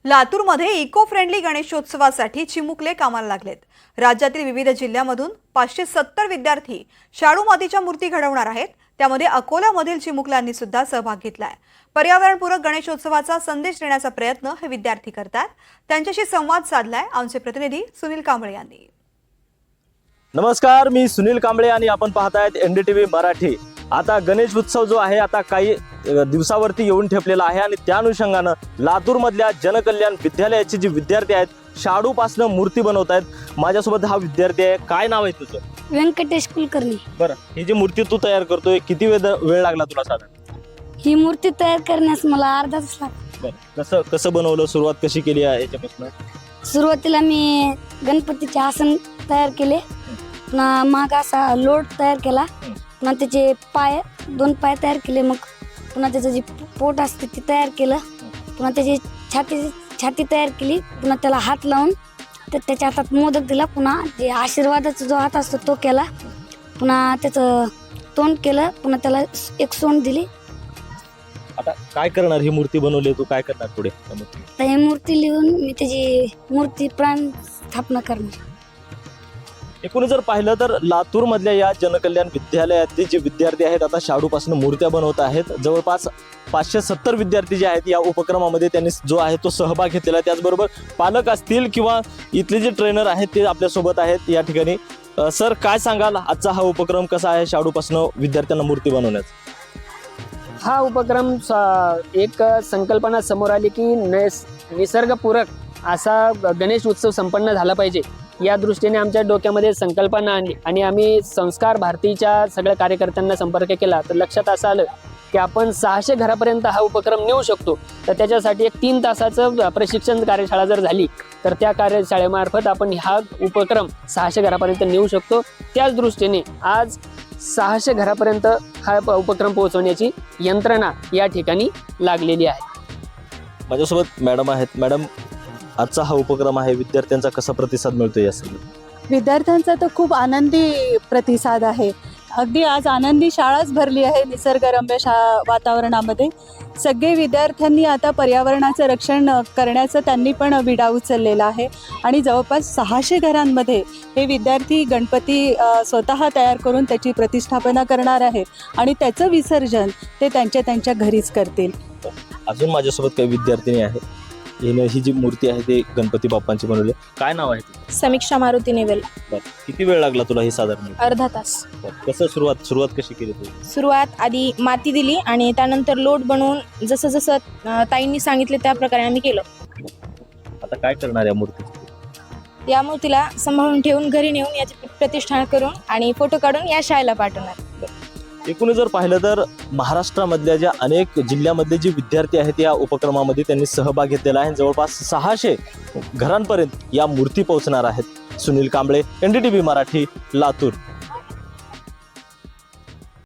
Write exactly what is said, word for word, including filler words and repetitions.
लातूरमध्ये eco friendly गणेशोत्सवासाठी चिमुकले कामाला लागलेत। राज्यातील विविध जिल्ह्यांमधून पाचशे सत्तर विद्यार्थी शाडू मातीच्या मूर्ती घडवणार आहेत। त्यामध्ये अकोल्यामधील चिमुकल्यांनी सुद्धा सहभाग घेतलाय। पर्यावरणपूरक गणेशोत्सवाचा संदेश देण्याचा प्रयत्न हे विद्यार्थी करतात। त्यांच्याशी संवाद साधलाय आमचे प्रतिनिधी सुनील कांबळे यांनी। नमस्कार, मी सुनील कांबळे आणि आपण पाहतायत एनडीटीव्ही मराठी। आता गणेश उत्सव जो आहे आता काही दिवसावरती येऊन ठेपलेला आहे आणि त्या अनुषंगानं लातूर मधल्या जनकल्याण विद्यालयाचे जे विद्यार्थी आहेत शाडू पासून मूर्ती बनवत आहेत। माझ्यासोबत हा विद्यार्थी आहे, काय नाव आहे तुझं? व्यंकटेश कुलकर्णी। बरं, ही जी मूर्ती तू तयार करतोय किती वेळ वेळ लागला तुला साधारण? ही मूर्ती तयार करण्यास मला अर्धा तास लागला। बरं, कसं कसं बनवलं, सुरुवात कशी केली आहे याच्यापासून? सुरुवातीला मी गणपतीचे आसन तयार केले, पुन्हा माग असा लोट तयार केला, पुन्हा त्याचे पाय दोन पाय तयार केले, मग पुन्हा त्याचं जे पोट असते ते तयार केलं, पुन्हा त्याची छाती छाती तयार केली, पुन्हा त्याला हात लावून तर त्याच्या हातात मोदक दिला, पुन्हा जे आशीर्वादाचा जो हात असतो तो केला, पुन्हा त्याचं तोंड केलं, पुन्हा त्याला एक सोंड दिली। आता काय करणार? ही मूर्ती बनवली, तू काय करणार पुढे? तर ही मूर्ती लिहून मी त्याची मूर्ती प्राण स्थापना करणार। एकूण जर पाहिलं तर लातूर मधल्या या जनकल्याण विद्यालयातले जे विद्यार्थी आहेत आता शाडूपासून मूर्त्या बनवत आहेत। जवळपास पाचशे सत्तर विद्यार्थी जे आहेत या उपक्रमामध्ये त्यांनी जो आहे तो सहभाग घेतलेला आहे। त्याचबरोबर पालक असतील किंवा इथले जे ट्रेनर आहेत ते आपल्यासोबत आहेत या ठिकाणी। सर, काय सांगाल, आजचा हा उपक्रम कसा आहे शाडूपासून विद्यार्थ्यांना मूर्ती बनवण्याचा? हा उपक्रम एक संकल्पना समोर आली की नैस निसर्गपूरक असा गणेश उत्सव संपन्न झाला पाहिजे, या दृष्टीने आमच्या डोक्यामध्ये संकल्पना आणली आणि आम्ही संस्कार भारतीच्या सगळ्या कार्यकर्त्यांना संपर्क केला। तर लक्षात असं आलं की आपण सहाशे घरापर्यंत हा उपक्रम नेऊ शकतो। तर त्याच्यासाठी एक तीन तासाचं प्रशिक्षण कार्यशाळा जर झाली तर त्या कार्यशाळेमार्फत आपण हा उपक्रम सहाशे घरापर्यंत नेऊ शकतो। त्याच दृष्टीने आज सहाशे घरापर्यंत हा उपक्रम पोहोचवण्याची यंत्रणा या ठिकाणी लागलेली आहे। माझ्यासोबत मॅडम आहेत। मॅडम, आजचा हा उपक्रम आहे, विद्यार्थ्यांचा कसा प्रतिसाद मिळतोय? या सगळं विद्यार्थ्यांचा तर खूप आनंदी प्रतिसाद आहे। अगदी आज आनंदी शाळाच भरली आहे निसर्गरम्य शा वातावरणामध्ये। सगळे विद्यार्थ्यांनी आता पर्यावरणाचं रक्षण करण्याचं त्यांनी पण विडा उचललेला आहे आणि जवळपास सहाशे घरांमध्ये हे विद्यार्थी गणपती स्वतः तयार करून त्याची प्रतिष्ठापना करणार आहे आणि त्याचं विसर्जन ते त्यांच्या त्यांच्या घरीच करतील। अजून माझ्यासोबत काही विद्यार्थिनी आहे, हिने ही जी मूर्ती आहे ते गणपती बाप्पांची बनवली। काय नाव आहे तुझं? समीक्षा मारुती नेवेल। किती वेळ लागला तुला हे साधारण? अर्धा तास। कसं सुरुवात सुरुवात कशी केली तू? सुरुवात आधी माती दिली आणि त्यानंतर लोट बनवून जसं जसं ताईंनी सांगितले त्या प्रकारे आम्ही केलं। आता काय करणार या मूर्ती? या मूर्तीला सांभाळून ठेवून घरी नेऊन याची प्रतिष्ठान करून आणि फोटो काढून या शाळेला पाठवणार। एकूण जर पाहिलं तर महाराष्ट्रामधल्या ज्या अनेक जिल्ह्यामधले जे विद्यार्थी आहेत या उपक्रमामध्ये त्यांनी सहभाग घेतलेला आहे। जवळपास सहाशे घरांपर्यंत या मूर्ती पोहोचणार आहेत। सुनील कांबळे, एनडीटीव्ही मराठी, लातूर।